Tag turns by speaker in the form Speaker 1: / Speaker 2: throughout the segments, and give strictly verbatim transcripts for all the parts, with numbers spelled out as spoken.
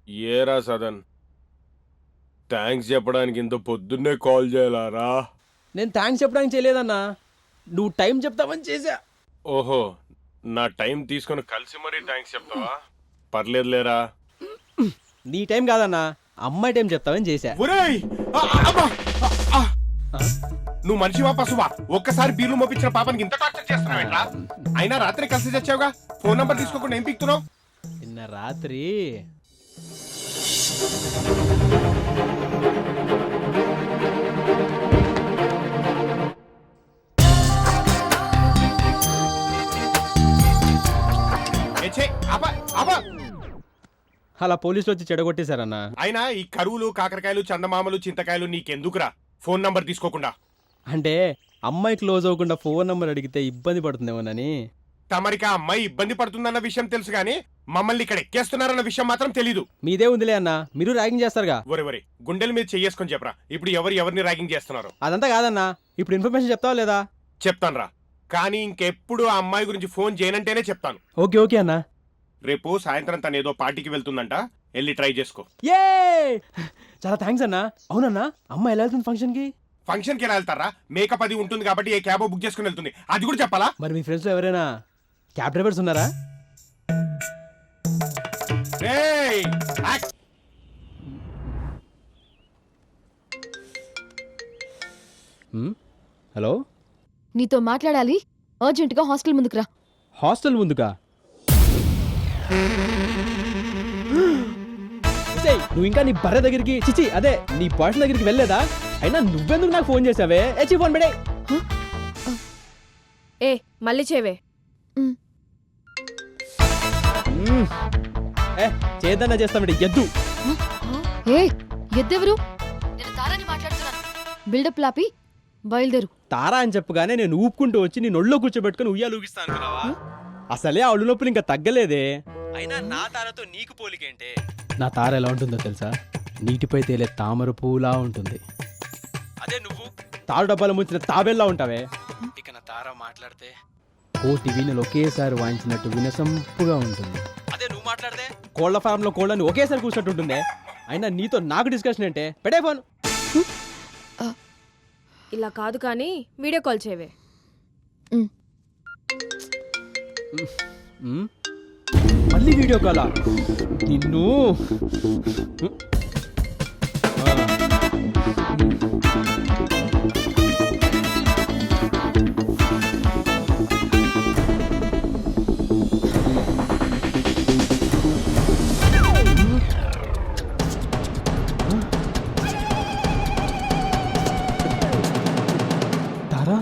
Speaker 1: ఏరా సదన్, థ్యాంక్స్ చెప్పడానికి ఇంత పొద్దున్నే కాల్ చేయాలారా?
Speaker 2: నేను థ్యాంక్స్ చెప్పడానికి చేయలేదన్నా, నువ్వు టైం చెప్తావని చేశా.
Speaker 1: ఓహో, నా టైం తీసుకొని కలిసి మరీ థ్యాంక్స్ చెప్తావా? పర్లేదులేరా.
Speaker 2: నీ టైం కాదన్నా, అమ్మాయి టైం చెప్తావని చేశా.
Speaker 1: ఒరేయ్, ఆ, అబ్బా, ఆ, ఆ. నువ్వు మనిషివా పశువా? ఒక్కసారి బీర్లు మోపించిన పాపానికి ఇంత టార్చర్ చేస్తున్నావేంట్రా? అయినా రాత్రి కలిసి తెచ్చావుగా, ఫోన్ నంబర్ తీసుకోకుండా ఏం పీక్తున్నావు?
Speaker 2: నిన్న రాత్రి
Speaker 1: ఏ ఛే, ఆపా, ఆపా.
Speaker 2: అలా పోలీసులు వచ్చి చెడగొట్టేశారన్నా.
Speaker 1: అయినా ఈ కరువులు, కాకరకాయలు, చందమామలు, చింతకాయలు నీకెందుకురా? ఫోన్ నంబర్ తీసుకోకుండా.
Speaker 2: అంటే అమ్మాయి క్లోజ్ అవ్వకుండా ఫోన్ నంబర్ అడిగితే ఇబ్బంది పడుతుందేమోనని.
Speaker 1: తమరికి ఆ అమ్మాయి ఇబ్బంది పడుతుందన్న విషయం తెలుసు గానీ మమ్మల్ని ఇక్కడ ఎక్కేస్తున్నారన్న విషయం మాత్రం తెలీదు.
Speaker 2: మీదే ఉందిలే అన్నా, మీరు ర్యాగింగ్ చేస్తారుగా.
Speaker 1: ఒరే ఒరే, గుండెల మీద చెయ్యేసుకొని చెప్పరా, ఇప్పుడు ఎవరు ఎవరిని ర్యాగింగ్ చేస్తున్నారు?
Speaker 2: అదంతా కాదన్నా, ఇప్పుడు ఇన్ఫర్మేషన్ చెప్తావా లేదా?
Speaker 1: చెప్తానురా, కానీ ఇంకెప్పుడు ఆ అమ్మాయి గురించి ఫోన్ చేయనంటేనే చెప్తాను.
Speaker 2: ఓకే ఓకే అన్నా.
Speaker 1: రేపు సాయంత్రం తను ఏదో పార్టీకి వెళ్తుందంట, వెళ్ళి ట్రై చేసుకో.
Speaker 2: ఏ చాలా థ్యాంక్స్ అన్నా. అవునన్నా, అమ్మాయి ఎలా వెళ్తుంది ఫంక్షన్ కి?
Speaker 1: ఫంక్షన్ కి ఎలా వెళ్తారా? మేకప్ అది ఉంటుంది కాబట్టి ఏ క్యాబో బుక్ చేసుకుని వెళ్తుంది, అది కూడా చెప్పాలా?
Speaker 2: మరి మీ ఫ్రెండ్స్ లో ఎవరైనా క్యాబ్ డ్రైవర్స్ ఉన్నారా?
Speaker 1: రేయ్, యాక్.
Speaker 2: హ్మ్? హలో,
Speaker 3: నీతో మాట్లాడాలి, అర్జెంటుగా హాస్టల్ ముందుకు రా.
Speaker 2: హాస్టల్ ముందుకా? ఏయ్, నువ్వు ఇంకా నీ బర్రె దగ్గరికి, చిచి అదే నీ బాయ్ ఫ్రెండ్ దగ్గరికి వెళ్ళలేదా? అయినా నువ్వెందుకు నాకు ఫోన్ చేసావే? ఏచి ఫోన్ పెడే.
Speaker 4: ఏ మళ్ళీ చేవే.
Speaker 3: ఉమ్,
Speaker 2: మ్మ్. ఏ చేద్దన్నా చేస్తామండి ఎద్దు.
Speaker 3: ఏ ఎద్దెవరు? నేను తారాని మాట్లాడుతున్నాను. బిల్డప్ లాపి బయలుదేరు.
Speaker 2: తారా అని చెప్పగానే నేను ఊపుకుంటూ వచ్చి నీ నొళ్ళో కూర్చోబెట్టుకుని ఉయ్యాలు ఊగిస్తాను అనుకున్నావా? అసలే ఆ ఒళ్ళు నొప్పులు ఇంకా తగ్గలేదే. అయినా నా తారతో నీకు పోలికేంటే? నా తార ఎలా ఉంటుందో తెలుసా? నీటిపై తేలే తామర పూలా ఉంటుంది. అదే నువ్వు తారు డబ్బాలు ముంచిన తాబేల్లా ఉంటావే. ఇక నా తార మాట్లాడితే కోటి వీణలు ఒకేసారి వాయించినట్టు వినసంపుగా ఉంటుంది. అదే నువ్వు మాట్లాడితే కోళ్ల ఫారం లో కోళ్ళని ఒకేసారి కూర్చున్నట్టు ఉంటుందే. అయినా నీతో నాకు డిస్కషన్ ఏంటే? పెడే ఫోన్.
Speaker 4: ఇలా కాదు కానీ వీడియో కాల్ చేవే.
Speaker 3: ఉమ్,
Speaker 2: మ్మ్? మళ్ళీ వీడియో కాలా? నిన్ను ఆ. తారా,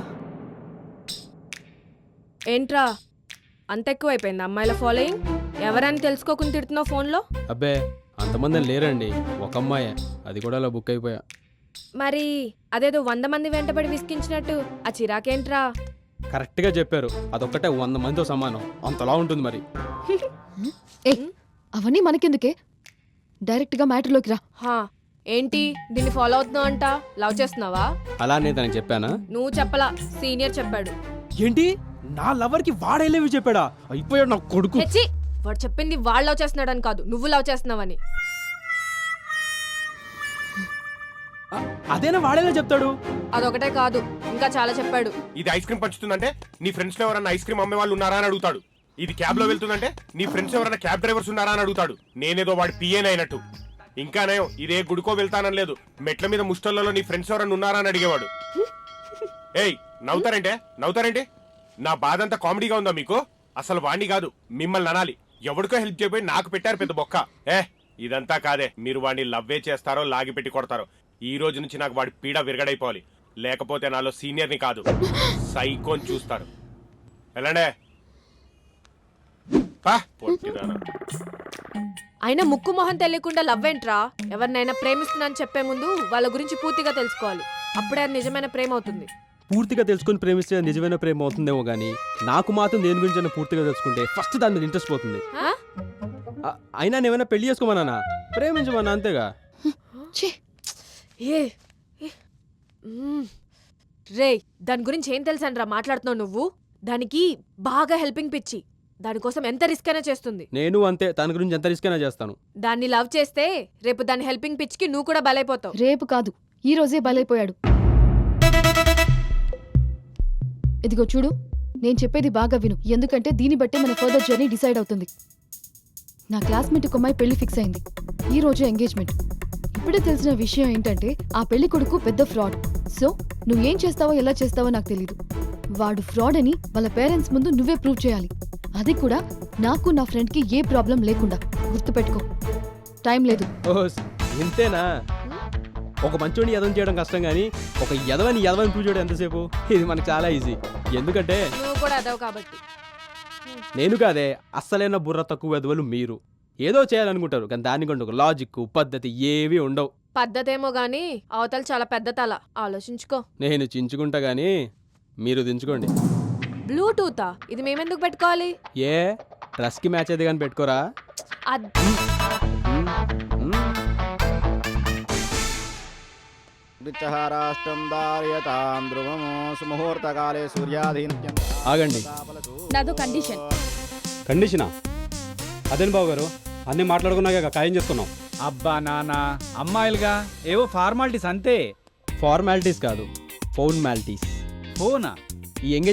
Speaker 4: ఏంట్రా అంత ఎక్కువైపోయింది అమ్మాయిల ఫాలోయింగ్? ఎవరని తెలుసుకోకుండా తిడుతున్నావు ఫోన్లో?
Speaker 2: అబ్బే అంతమంది లేరండి, ఒక అమ్మాయే, అది కూడా అలా బుక్ అయిపోయా.
Speaker 4: మరి అదేదో వంద మంది వెంటబడి విసిగించినట్టు ఆ చిరాకేంట్రా?
Speaker 2: కరెక్ట్గా చెప్పారు, అదొక్కటే వంద మందితో సమానం, అంతలా ఉంటుంది మరి.
Speaker 3: ఏ అవన్నీ మనకెందుకే, డైరెక్ట్గా మ్యాటర్లోకి రా.
Speaker 4: హా ఏంటి దీన్ని ఫాలో అవుతున్నావు అంట? లవ్ చేస్తున్నావా?
Speaker 2: అలా నేను తనకి చెప్పానా?
Speaker 4: నువ్వు చెప్పలా, సీనియర్ చెప్పాడు.
Speaker 2: ఏంటి నా లవర్ కి వాడేలేవి చెప్పాడా? అయిపోయాడు నా కొడుకు.
Speaker 4: హెచ్చి, వాడు చెప్పింది వాడు లవ్ చేస్తున్నాడని కాదు, నువ్వు లవ్ చేస్తున్నావని.
Speaker 2: అ- అదేనా వాడేలా చెప్తాడు?
Speaker 4: అదొకటే కాదు, ఇంకా చాలా చెప్పాడు.
Speaker 1: ఇది ఐస్ క్రీమ్ పంచుతుందంటే నీ ఫ్రెండ్స్ లో ఎవరైనా ఐస్ క్రీమ్ అమ్మే వాళ్ళు ఉన్నారా అని అడుగుతాడు. ఇది క్యాబ్ లో వెళ్తుందంటే నీ ఫ్రెండ్స్ ఎవరైనా క్యాబ్ డ్రైవర్స్ ఉన్నారా అని అడుగుతాడు. నేనేదో వాడి పిఏన్ అయినట్టు. ఇంకా నయం, ఇదే గుడికో వెళ్తానని లేదు, మెట్ల మీద ముష్టల్లో నీ ఫ్రెండ్స్ ఎవరైనా ఉన్నారా అని అడిగేవాడు. ఏయ్ నవ్వుతారంటే నవ్వుతారంటే నా బాధ అంతా కామెడీగా ఉందా మీకు? అసలు వాణ్ణి కాదు మిమ్మల్ని అనాలి. ఎవడికో హెల్ప్ చేయబోయి నాకు పెట్టారు పెద్ద బొక్క. ఏ ఇదంతా కాదే, మీరు వాడిని లవ్వే చేస్తారో లాగి పెట్టి కొడతారో. ఈ రోజు నుంచి నాకు వాడి పీడ విరగడైపోవాలి, లేకపోతే నాలో సీనియర్ని కాదు సైకోని చూస్తారు. వెళ్ళండే.
Speaker 4: అయినా ముక్కు మొహం తెలియకుండా లవ్ ఏంట్రా? ఎవరినైనా ప్రేమిస్తున్నానని చెప్పే ముందు వాళ్ళ గురించి పూర్తిగా తెలుసుకోవాలి, అప్పుడే అది నిజమైన ప్రేమ అవుతుంది.
Speaker 2: పూర్తిగా తెలుసుకుని ప్రేమిస్తే నిజమైన ప్రేమ అవుతుందేమో గానీ నాకు మాత్రం దేని గురించి పూర్తిగా తెలుసుకుంటే ఫస్ట్ దాని మీద ఇంట్రెస్ట్ పోతుంది.
Speaker 4: ఆ?
Speaker 2: అ- అయినా నేమైనా పెళ్లి చేసుకోమన్నా? ప్రేమించమన్నా అంతేగా.
Speaker 3: ఛీ,
Speaker 4: ఏ ఏ. మ్మ్. రేయ్ దాని గురించి ఏం తెలుసనరా మాట్లాడుతున్నావు నువ్వు? దానికి బాగా హెల్పింగ్ పిచ్చి. దానికోసం ఎంత రిస్క్ అయినా చేస్తుంది.
Speaker 2: నేను అంతే, తన గురించి ఎంత రిస్క్ అయినా చేస్తాను.
Speaker 4: దాన్ని లవ్ చేస్తే రేపు దాని హెల్పింగ్ పిచ్ కి నువ్వు కూడా బలైపోతావు.
Speaker 3: రేపు కాదు, ఈ రోజే బలైపోయాడు. ఇదిగో చూడు, నేను చెప్పేది బాగా విను, ఎందుకంటే దీన్ని బట్టే మన ఫర్దర్ జర్నీ డిసైడ్ అవుతుంది. నా క్లాస్మేట్ ఒక అమ్మాయి పెళ్లి ఫిక్స్ అయింది. ఈ రోజు ఎంగేజ్మెంట్. ఇప్పుడే తెలిసిన విషయం ఏంటంటే ఆ పెళ్లి కొడుకు పెద్ద ఫ్రాడ్. సో నువ్వేం చేస్తావో ఎలా చేస్తావో నాకు తెలీదు. వాడు ఫ్రాడ్ అని వాళ్ళ పేరెంట్స్ ముందు నువ్వే ప్రూవ్ చేయాలి. అది కూడా నాకు నా ఫ్రెండ్కి ఏ ప్రాబ్లం లేకుండా. గుర్తుపెట్టుకో, టైం లేదు.
Speaker 2: ఓహో, ఇంతేనా? ఒక మంచోని యదవం చేయడం కష్టం కానీ ఒక యదవని యదవని ప్రూవ్ చేయడం ఎంతసేపు? ఇది మనకు చాలా ఈజీ. ఎందుకంటే
Speaker 4: నువ్వు కూడా అదవు కాబట్టి.
Speaker 2: నేను కాదే, అస్సలైన బుర్ర తక్కువ యదవలు మీరు. ఏదో చేయాలనుకుంటారు కానీ దానికంటే ఒక లాజిక్ పద్ధతి ఏవి ఉండవు.
Speaker 4: పద్ధతేమో గానీ అవతల చాలా పెద్ద తల, ఆలోచించుకో.
Speaker 2: నేను చించుకుంటా గానీ మీరు దించుకోండి.
Speaker 4: బ్లూటూతా? ఇది మేమెందుకు పెట్టుకోవాలి?
Speaker 2: ఏ డ్రెస్కి మ్యాచ్ అయితే కానీ పెట్టుకోరా?
Speaker 4: అద్-
Speaker 5: రాష్ట్రం దార్యతాం ధ్రువము సుముహూర్తకాలే సూర్యాధీనం.
Speaker 2: ఆగండి.
Speaker 6: నాదో కండిషన్.
Speaker 7: కండిషనా? అదేం బాబు గారు, అన్నీ మాట్లాడుకున్నాక ఖాయం చేసుకున్నాం.
Speaker 8: అబ్బా నాన్న, అమ్మాయిలుగా ఏవో ఫార్మాలిటీస్ అంతే.
Speaker 2: ఫార్మాలిటీస్ కాదు, ఫౌర్మాలిటీస్.
Speaker 8: ఫోనా?
Speaker 2: ఈ ఎంగేజ్